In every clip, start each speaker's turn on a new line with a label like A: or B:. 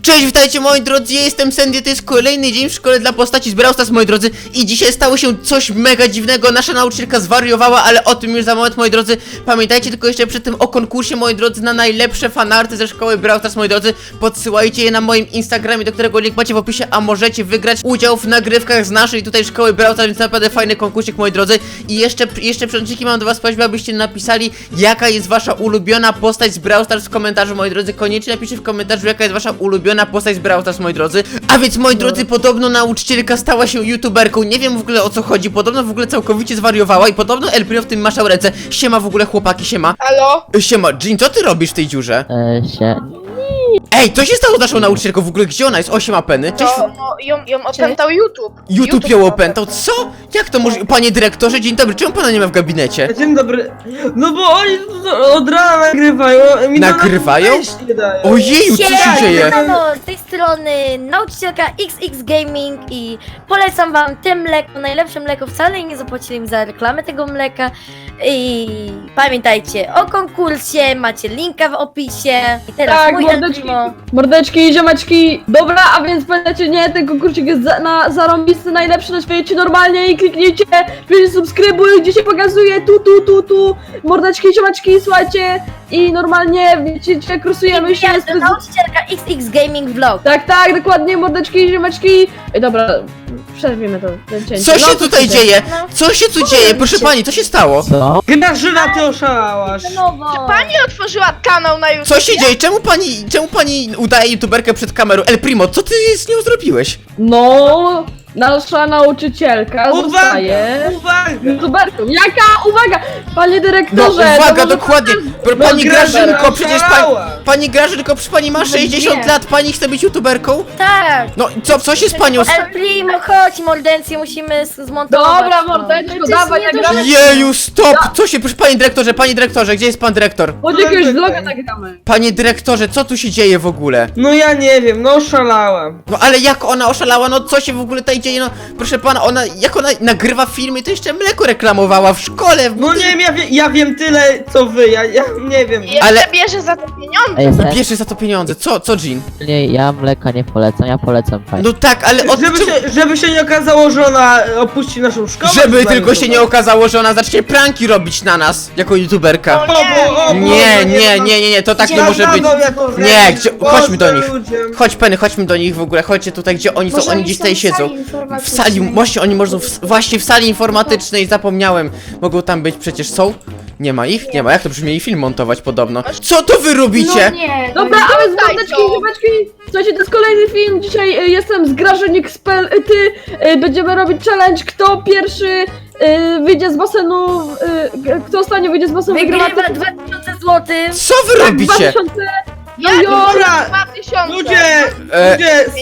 A: Cześć, witajcie moi drodzy, ja jestem Sandy, to jest kolejny dzień w szkole dla postaci z Brawl Stars, moi drodzy. I dzisiaj stało się coś mega dziwnego, nasza nauczycielka zwariowała, ale o tym już za moment, moi drodzy. Pamiętajcie tylko jeszcze przed tym o konkursie, moi drodzy, na najlepsze fanarty ze szkoły Brawl Stars, moi drodzy. Podsyłajcie je na moim Instagramie, do którego link macie w opisie, a możecie wygrać udział w nagrywkach z naszej tutaj szkoły Brawl Stars, więc naprawdę fajny konkursik, moi drodzy. I jeszcze przęczyki mam do was prośbę, abyście napisali, jaka jest wasza ulubiona postać z Brawl Stars w komentarzu, moi drodzy. Koniecznie napiszcie w komentarzu, jaka jest wasza ulubiona postać z Brawl Stars, moi drodzy. A więc, moi drodzy, podobno nauczycielka stała się youtuberką. Nie wiem w ogóle o co chodzi. Podobno w ogóle całkowicie zwariowała i podobno El Primo w tym maszał ręce. Siema w ogóle, chłopaki, siema.
B: Halo?
A: Siema, Jean, co ty robisz w tej dziurze? Ej, co się stało z naszą nauczycielką w ogóle? Gdzie ona jest? 8 apeny. Cześć.
B: No, ją opętał YouTube.
A: YouTube ją opętał? Co? Jak to może? Panie dyrektorze, dzień dobry, czemu pana nie ma w gabinecie?
C: Dzień dobry. No bo oni od rana nagrywają.
A: Nagrywają?
C: Nie dają.
A: Ojeju, co się dzieje?
D: No, z tej strony nauczycielka XX Gaming i polecam wam te mleko, najlepsze mleko, wcale nie zapłacili mi za reklamę tego mleka. I pamiętajcie o konkursie, macie linka w opisie. I teraz
E: Tak,
D: mój
E: mordeczki, ziomeczki. Dobra, a więc pamiętajcie, nie, ten konkursik jest zarąbisty, najlepszy na świecie, normalnie i kliknijcie, wpiszcie subskrybuj, gdzie się pokazuje, tu, mordeczki, ziomeczki, słuchajcie, i normalnie, wiecie, krosujemy się.
D: nauczycielka XX Gaming Vlog.
E: Tak, dokładnie, mordeczki, ziomeczki. Ej, dobra, przerwijmy to, ten cięcie.
A: Co się
E: No,
A: tutaj
E: co
A: dzieje?
D: No.
A: Co się tu dzieje? Proszę pani, co się stało?
F: Co?
C: Grażyna, ty oszalałaś.
D: No,
B: Pani otworzyła kanał na YouTube.
A: Co się dzieje? Czemu pani udaje youtuberkę przed kamerą? El Primo, co ty z nią zrobiłeś?
E: No, nasza nauczycielka zostaje
C: Uwaga!
E: youtuberką. Jaka? Uwaga! Panie
A: No
E: dyrektorze!
A: uwaga,
E: to może-
A: dokładnie. Pani
C: Grażyna
A: Grażynko, przecież
C: oszalała.
A: pani Grażynko, przecież pani ma 60 lat, pani chce być youtuberką?
D: tak.
A: No co się z panią...
D: El Primo, chodź, mordencję musimy zmontować.
E: Dobra,
D: to.
E: mordeczko, dawaj, nagramy.
A: Jeju, stop! Co się... Proszę panie dyrektorze, gdzie jest pan dyrektor?
E: Chodź, jakiegoś vloga nagramy.
A: Panie dyrektorze, co tu się dzieje w ogóle?
C: No ja nie wiem, no oszalałam.
A: No ale jak ona oszalała, no co się w ogóle tutaj dzieje, no proszę pana, jak ona nagrywa filmy, to jeszcze mleko reklamowała w szkole.
C: No nie wiem, ja wiem tyle co wy, ja nie wiem.
B: Jeszcze
A: Ale-
B: bierze za to pieniądze.
F: Ej, sen,
A: Bierze za to pieniądze, co Jean?
F: nie, ja mleka nie polecam, ja polecam pani.
A: No tak, ale od
C: Żeby się nie okazało, że ona opuści naszą szkołę.
A: Żeby
C: to
A: tylko się nie
C: znajdę.
A: okazało, że ona zacznie pranki robić na nas, jako youtuberka.
B: O
A: Nie, to tak nie może być. Nie, chodźmy do nich.
C: Chodź.
A: Chodźmy do nich w ogóle, chodźcie tutaj, gdzie oni są, oni gdzieś tutaj siedzą. W sali, właśnie oni mogą, właśnie w sali informatycznej, zapomniałem. Mogą tam być, przecież są? Nie ma ich? Nie ma, jak to przecież mieli film montować podobno. Co to wy robicie?
E: Dobra, a więc
B: Tutaj
E: mordeczki,
B: są.
E: ziomeczki. Słuchajcie, to jest kolejny film. Dzisiaj jestem z Grażynik Spell. Będziemy robić challenge, kto pierwszy wyjdzie z basenu, kto ostatnio wyjdzie z basenu,
D: Wygrywa
E: wygrywa
D: 2000 zł.
A: Co wy robicie?
E: 2000.
B: Ja
E: No
C: Dobra,
B: 2000.
C: Ludzie,
A: E,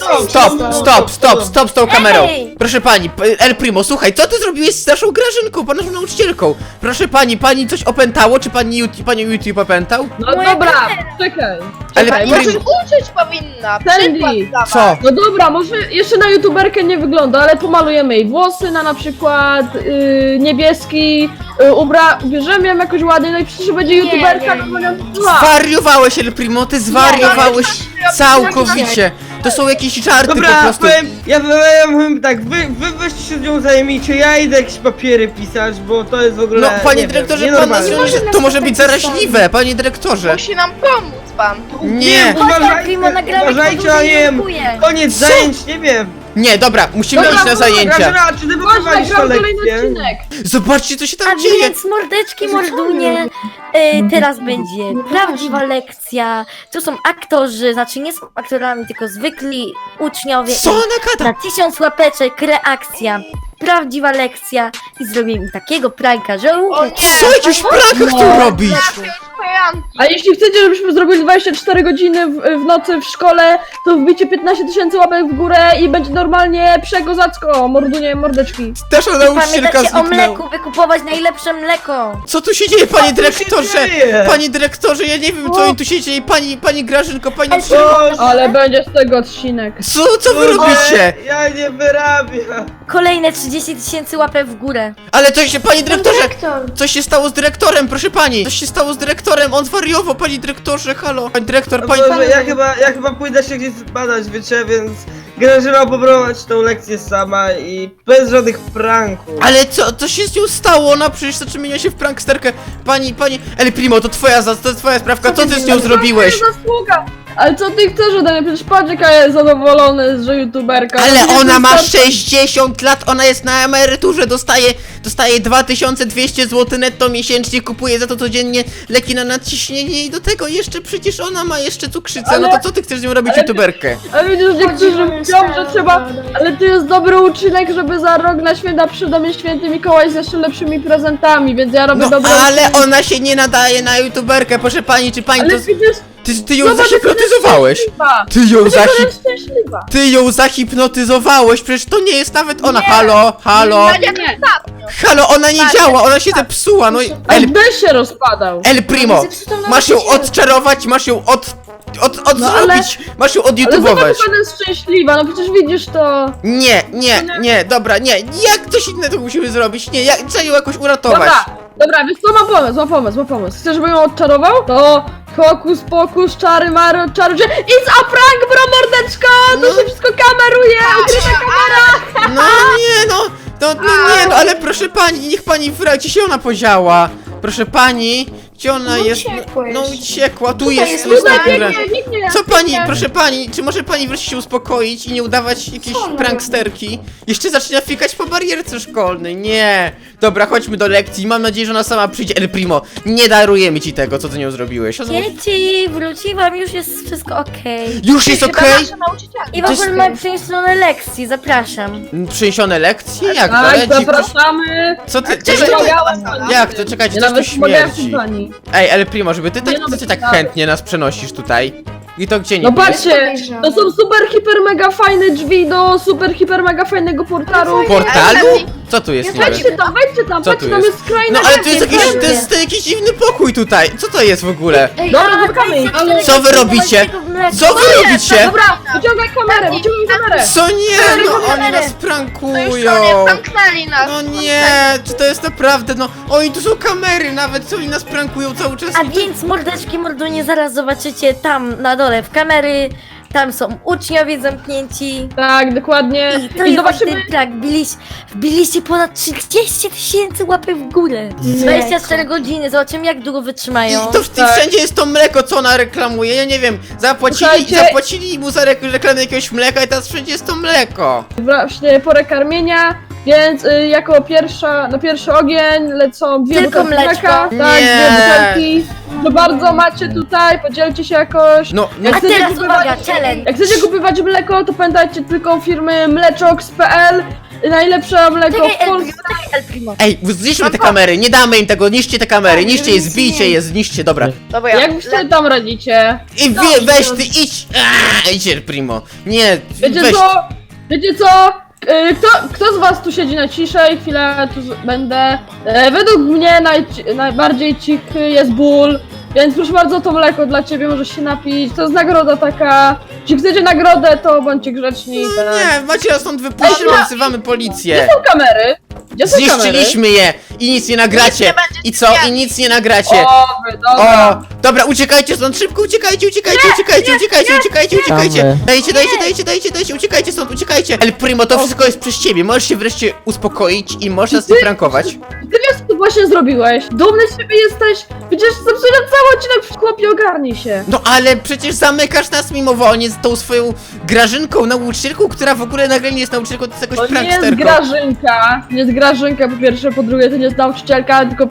C: stop.
A: Stop z tą kamerą.
D: Ej!
A: Proszę pani, El Primo, słuchaj, co ty zrobiłeś z naszą Grażynką, naszą nauczycielką? Proszę pani coś opętało, czy panią YouTube opętał?
E: No
D: Moja
E: dobra,
D: kamera.
E: czekaj.
A: Ale
E: Czekaj,
A: Primo-
E: może...
B: Uczyć powinna.
E: Sandy.
B: Przykład dawać.
A: Co?
E: No dobra, może jeszcze na youtuberkę nie wygląda, ale pomalujemy jej włosy na przykład niebieski, ubierzemy ją jakoś ładnie, no i przecież będzie youtuberka,
D: nie.
E: no bo ją zła.
A: Zwariowałeś, El Primo, ty zwariowałeś całkowicie. To są jakieś żarty po
C: Dobra,
A: prostu.
C: ja powiem tak, wy weźcie się z nią zajmijcie, ja idę jakieś papiery pisać, bo to jest w ogóle.
A: No, panie
C: nie
A: dyrektorze,
C: wiem,
A: pan nas
C: nienormalne.
A: to może być zaraźliwe, panie dyrektorze.
B: Musi nam pomóc pan.
A: Nie,
D: Chodź, El Primo, nagramy
C: uważajcie, a nie wiem, koniec
A: Co?
C: zajęć, nie wiem.
A: nie, dobra, musimy
E: Dobra,
A: iść na zajęcia.
C: Grażyna, czy ty
E: Chodź,
C: wyprowadzisz
E: nagram
C: to
E: kolejny
C: lekcję?
E: odcinek.
A: Zobaczcie, co się
D: A
A: tam dzieje.
D: więc mordeczki, mordunie, teraz będzie prawdziwa lekcja. Tu są aktorzy, znaczy nie są aktorami, tylko zwykli uczniowie.
A: Co ona gada?
D: Na 1000 łapeczek reakcja. Prawdziwa lekcja i zrobię im takiego pranka, że
B: O nie.
A: Co jakiś prankach tu robić?
B: Kojanki.
E: A jeśli chcecie, żebyśmy zrobili 24 godziny w nocy w szkole, to wbicie 15 000 łapek w górę i będzie normalnie przekozacko, mordunie, mordeczki.
A: Nasza nauczycielka
D: pamiętajcie o
A: zniknęła.
D: mleku, wykupować najlepsze mleko.
A: Co tu się dzieje, panie
C: tu się
A: dyrektorze?
C: dzieje?
A: Panie dyrektorze, ja nie wiem, co im tu się dzieje. Pani Grażynko, pani...
E: Ale będzie z tego odcinek.
A: Co wy robicie?
C: Ja nie wyrabiam.
D: Kolejne 30 000 łapek w górę.
A: Ale coś się, panie dyrektorze, coś się stało z dyrektorem, proszę pani. Coś się stało z dyrektorem, wiem, on zwariował, panie dyrektorze, halo. Pani dyrektor,
C: No
A: pani...
C: Boże, ja chyba pójdę się gdzieś zbadać, wiecie, więc Grażyna poprowadź tą lekcję sama i bez żadnych pranków.
A: Ale co się z nią stało? Ona przecież zaczyna się w pranksterkę. Pani, El Primo, to twoja sprawka, co ty z nią zrobiłeś?
E: To jest zasługa. Ale co ty chcesz ode mnie? Przecież patrz jaka jest zadowolony, że youtuberka.
A: Ale
E: No,
A: ona ma
E: wystarczy-
A: 60 lat, ona jest na emeryturze, dostaje 2200 zł netto miesięcznie, kupuje za to codziennie leki na nadciśnienie i do tego jeszcze przecież ona ma jeszcze cukrzycę, no to co ty chcesz z nią robić,
E: ale-
A: youtuberkę?
E: Ale widzisz, niektórzy mówią, że trzeba... Ale to jest dobry uczynek, żeby za rok na święta przyjść do mnie święty Mikołaj z jeszcze lepszymi prezentami, więc ja robię
A: No
E: dobry
A: ale
E: uczynek.
A: ona się nie nadaje na youtuberkę, proszę pani, czy pani
E: Ale
A: to...
E: widzisz...
A: Ty ją
E: Zobacz,
A: zahipnotyzowałeś!
E: szczęśliwa.
A: Ty ją
E: Ona jest szczęśliwa.
A: Ty ją zahipnotyzowałeś, przecież to nie jest nawet ona.
E: Nie.
A: Halo,
B: Nadia, to ostatnio.
A: halo, ona nie działa, ona się zepsuła, no i...
E: Ale by się rozpadał.
A: El Primo, masz ją odczarować, masz ją
E: No ale-
A: zrobić, masz ją
E: Ale
A: odjutubować.
E: zobacz, ona jest szczęśliwa, no przecież widzisz to.
A: Nie, dobra, nie, jak coś innego musimy zrobić, nie, trzeba ją jakoś uratować.
E: Dobra, więc to mam pomysł. Chcesz, żebym ją odczarował? To hokus pokus, czary mary, odczaruj się. It's a prank, bro, mordeczko! To się wszystko kameruje, ukryta kamera!
A: No nie, no, ale proszę pani, niech pani wraci się ona podziała. Proszę pani, gdzie ona jest? No uciekła, tu jest
E: Tutaj
A: dobra.
E: biegnie, nikt nie
A: Co pani,
E: biegnie.
A: proszę pani, czy może pani wreszcie się uspokoić i nie udawać jakiejś pranksterki? Jeszcze zaczyna fikać po barierce szkolnej, nie. Dobra, chodźmy do lekcji, mam nadzieję, że ona sama przyjdzie. El Primo, nie darujemy ci tego, co ty nią zrobiłeś.
D: Dzieci, wróciłam, już jest wszystko okej.
A: Już jest
B: Chyba
A: okej?
B: nasza nauczycielka.
D: I w ogóle mamy przeniesione lekcje, zapraszam.
A: Przeniesione lekcje? Jak to?
E: Tak,
A: Leci?
E: zapraszamy.
A: Co ty,
B: Gdzie
A: coś tu...
B: wy-
A: Jak to? Czekajcie,
E: Ja
A: coś tu
E: nawet pomagałem
A: śmierdzi.
E: pani.
A: Ej, El Primo, żeby ty tak,
E: Nie no,
A: co ty tak
E: tak.
A: chętnie nas przenosisz tutaj? I to gdzie nie
E: No
A: jest?
E: patrzcie, to są super, hiper, mega fajne drzwi do super, hiper, mega fajnego portalu.
A: Portalu? Co tu jest niby?
E: Wejdźcie tam,
A: Co
E: patrzcie,
A: tu
E: tam
A: jest?
E: jest skrajna
A: No ale to jest
E: lepiej,
A: jakiś,
E: lepiej.
A: to jest jakiś dziwny pokój tutaj. Co to jest w ogóle?
E: Dobra, zamykamy. Ale...
A: Co wy robicie? Co wy robicie?
E: Dobra, wyciągaj kamerę, wyciągnij kamerę.
A: Co nie? No oni
D: kamerę.
A: nas
B: To już
A: prankują.
B: koniec, zamknęli nas.
A: No nie, czy to jest naprawdę, no oni tu są kamery nawet, co oni nas prankują cały czas.
D: A więc mordeczki, mordunie, zaraz zobaczycie tam na dole w kamery. Tam są uczniowie zamknięci.
E: Tak, dokładnie.
D: I to
E: I
D: jest właśnie
E: zobaczymy.
D: ten prank. Wbiliście ponad 30 000 łapek w górę. 24 godziny, zobaczymy jak długo wytrzymają.
A: I to
E: Tak.
A: wszędzie jest to mleko, co ona reklamuje, ja nie wiem,
E: Słuchajcie.
A: zapłacili mu za reklamę jakiegoś mleka i teraz wszędzie jest to mleko.
E: Właśnie porę karmienia, więc jako na pierwszy ogień lecą dwie
D: Tylko
E: butelki
D: mleczko.
E: mleka. Tak,
A: Nie.
E: dwie butelki. To bardzo macie tutaj, podzielcie się jakoś.
A: No,
E: Jak
D: A
E: chcecie
D: teraz
E: kupować-
D: uwaga, challenge.
E: Jak chcecie kupować mleko, to pamiętajcie tylko firmy mleczox.pl. Najlepsze mleko
D: Czekaj,
E: w Polsce.
D: El Primo.
A: Ej, zniszczmy te kamery, nie damy im tego, niszczcie te kamery, niszcie je, zbijcie je, zniszcie, dobra.
B: Dobra,
E: Jak wy sobie tam radzicie?
A: I weź ty, idź! Idź, El Primo. Nie,
E: Wiecie
A: weź.
E: co? Wiecie co? Kto z was tu siedzi na ciszej? Chwilę tu będę. Według mnie najbardziej cichy jest ból. Więc proszę bardzo, to mleko dla ciebie, możesz się napić. To jest nagroda taka. Jeśli chcecie nagrodę, to bądźcie grzeczni. Tak.
A: Nie, macie nas stąd wypuścić, bo wzywamy policję.
E: Gdzie są kamery? Gdzie są kamery?
A: Zniszczyliśmy je i nic nie nagracie.
B: Nic nie będzie
A: I co? I nic nie nagracie.
E: O, dobra.
A: O, dobra, uciekajcie stąd, szybko uciekajcie.
F: Czekamy.
A: Dajcie, uciekajcie stąd, uciekajcie. El Primo, to wszystko jest przez ciebie, możesz się wreszcie uspokoić i możesz nas nie prankować.
E: Ty wiesz, co właśnie zrobiłeś? Dumny z siebie jesteś? Przecież zepsułem cały odcinek, chłopie, ogarnij się.
A: No ale przecież zamykasz nas mimowolnie z tą swoją Grażynką, nauczycielką, która w ogóle nagle nie jest nauczycielką, to jest
E: To
A: jakoś
E: nie jest
A: pranksterką.
E: Grażynka. Nie jest Grażynka po pierwsze, po drugie to nie jest nauczycielka, tylko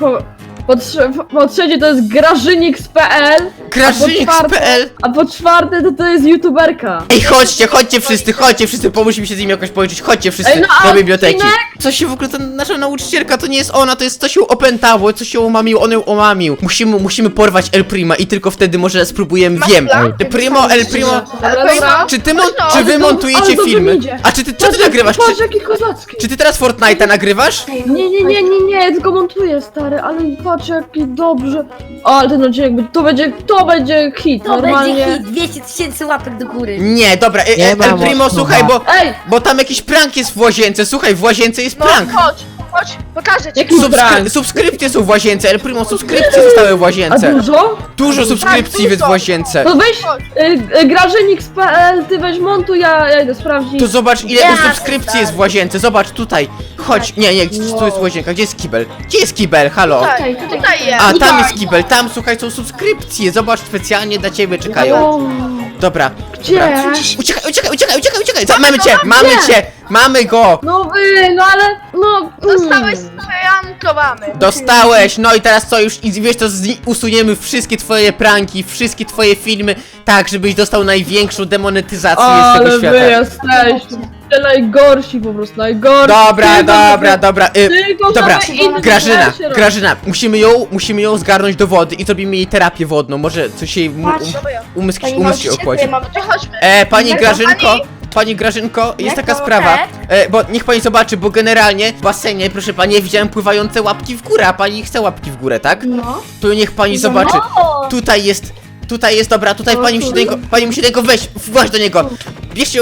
E: po trzecie to jest grażynik.pl.
A: Grażynik.pl.
E: A po czwarte to jest youtuberka.
A: Ej, chodźcie wszyscy, pomóżmy się z nimi jakoś połączyć, chodźcie wszyscy
E: Ej, no a
A: do biblioteki.
E: odcinek?
A: Co się w ogóle, ta nasza nauczycielka, to nie jest ona, to jest coś ją opętało, coś ją omamił, on ją omamił. Musimy porwać El Prima i tylko wtedy może spróbujemy,
B: Masz
A: wiem.
B: plan?
A: El Primo,
E: Dobra.
A: czy
E: Ale
A: wy montujecie
E: dobrze
A: filmy?
E: mi idzie.
A: A czy ty nagrywasz?
E: Patrz jaki kozacki.
A: Czy ty teraz Fortnite'a nagrywasz?
E: Nie, tylko montuję stary, ale patrz jaki dobrze. O, ale ten odcinek, to będzie hit,
D: To
E: normalnie.
D: będzie hit, 200 000 łapek do góry.
A: Nie, dobra,
F: Nie
A: El
F: ma
A: Primo,
F: mocno.
A: słuchaj,
E: Ej,
A: bo tam jakiś prank jest w łazience, słuchaj, w łazience jest
B: No
A: prank.
B: chodź, chodź, pokażę ci.
E: Jaki prank?
A: Subskrypcje są w łazience, El Primo, subskrypcje zostały w
E: A
A: łazience.
E: dużo?
A: Dużo subskrypcji
B: Tak,
A: jest w
B: dużo.
A: łazience.
E: To weź Grażynix.pl, ty weź montuj, ja idę sprawdzić.
A: To zobacz ile
D: Ja
A: subskrypcji jest w łazience, zobacz tutaj. Chodź, nie, tu jest łazienka, gdzie jest kibel? Gdzie jest kibel, halo?
B: Tutaj jest.
A: A, tam jest kibel, tam słuchaj, są subskrypcje, zobacz, specjalnie dla ciebie czekają.
E: O,
A: Dobra,
E: gdzie?
A: dobra. Uciekaj, mamy go!
E: No wy, no ale, no...
B: Dostałeś sprankowany.
A: Dostałeś, no i teraz co, już i wiesz to, usuniemy wszystkie twoje pranki, wszystkie twoje filmy, tak, żebyś dostał największą demonetyzację z tego
E: Ale wy
A: świata.
E: jesteście najgorsi po prostu, najgorsi.
A: Dobra,
E: Tylko
A: dobra,
E: same inne
A: Grażyna,
E: rzeczy robią.
A: Grażyna, musimy ją zgarnąć do wody i zrobimy jej terapię wodną, może coś jej umysł się ochłodzi.
B: Chodźmy.
A: Pani Grażynko, jest taka
D: Leko,
A: sprawa,
D: tak?
A: bo niech pani zobaczy, bo generalnie w basenie, proszę pani, ja widziałem pływające łapki w górę, a pani chce łapki w górę, tak?
D: No.
A: To niech pani zobaczy, tutaj jest, dobra, tutaj pani musi do niego wejść, właź do niego. Bierzcie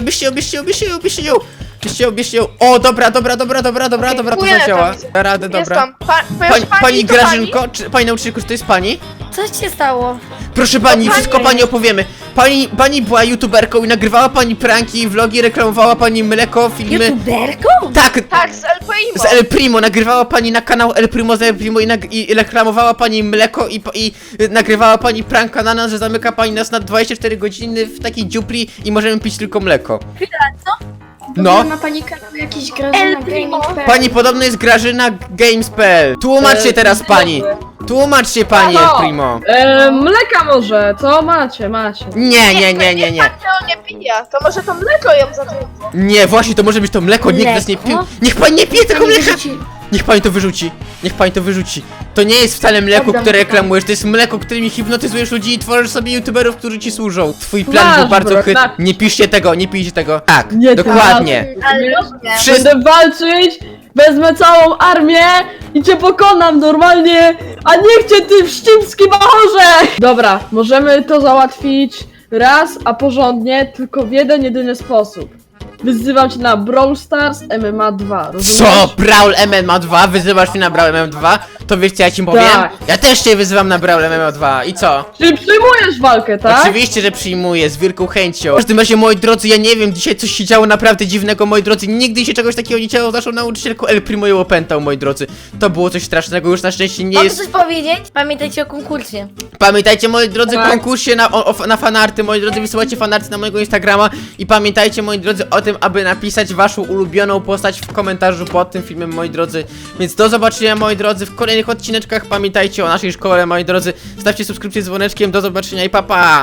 A: ją. O, dobra, to
B: Płynę
A: zadziała.
B: tam.
A: Da radę, dobra. Pani
B: to
A: Grażynko, czy pani nauczycielko, czy to jest pani?
D: Co się stało?
A: Proszę pani, wszystko pani opowiemy. Pani była youtuberką i nagrywała pani pranki, vlogi, reklamowała pani mleko, filmy.
D: YouTuberką?
A: Tak,
B: Tak, z El Primo.
A: z El Primo, nagrywała pani na kanał El Primo z El Primo i reklamowała pani mleko i nagrywała pani pranka na nas, że zamyka pani nas na 24 godziny w takiej dziupli i możemy pić tylko mleko. No,
G: Ma pani kanał jakiś
D: El
G: Grażyna
D: Primo.
G: Gaming.pl?
A: pani podobno jest Grażyna Games.pl. Tłumacz się teraz pani. Tłumacz się pani El
E: Halo.
A: Primo.
E: Mleka może, co? Macie.
A: Nie.
B: Niech pan nie pije, to może to mleko ją zatrudni.
A: Nie, właśnie to może być to mleko, nikt nas nie pił. Niech pani nie pije tego
G: Pani
A: mleka!
G: wyrzuci-
A: Niech pani to wyrzuci. To nie jest wcale mleko,
G: Oddam
A: które
G: to.
A: reklamujesz, to jest mleko, którymi hipnotyzujesz ludzi i tworzysz sobie youtuberów, którzy ci służą. Twój plan był
E: Masz,
A: bardzo
E: bro,
A: chytry.
E: tak.
A: Nie pijcie tego. Tak,
E: Nie,
A: dokładnie.
B: Ale nie.
A: Wszyscy...
E: Będę walczyć, wezmę całą armię i cię pokonam normalnie, a niech cię ty wścibski bachorze! Dobra, możemy to załatwić raz, a porządnie, tylko w jeden, jedyny sposób. Wyzywam cię na Brawl Stars MMA 2, rozumiesz?
A: Co? Brawl MMA 2? Wyzywasz mnie na Brawl MMA 2? To wiesz co ja ci powiem?
E: Tak.
A: Ja też cię wyzywam na Brawl MMA 2 i co?
E: Czyli przyjmujesz walkę, tak?
A: Oczywiście, że przyjmuję, z wielką chęcią. W każdym razie, moi drodzy, ja nie wiem, dzisiaj coś się działo naprawdę dziwnego, moi drodzy. Nigdy się czegoś takiego nie działo z naszą nauczycielką El Primo ją opętał, moi drodzy. To było coś strasznego, już na szczęście nie
D: Mogę
A: jest...
D: coś powiedzieć? Pamiętajcie o konkursie.
A: Pamiętajcie, moi drodzy,
E: Tak.
A: konkursie na fanarty, moi drodzy, wysyłajcie fanarty na mojego Instagrama i pamiętajcie, moi drodzy, o tym, aby napisać waszą ulubioną postać w komentarzu pod tym filmem, moi drodzy. Więc do zobaczenia, moi drodzy, w kolejnych odcineczkach. Pamiętajcie o naszej szkole, moi drodzy. Stawcie subskrypcję z dzwoneczkiem, do zobaczenia i pa pa!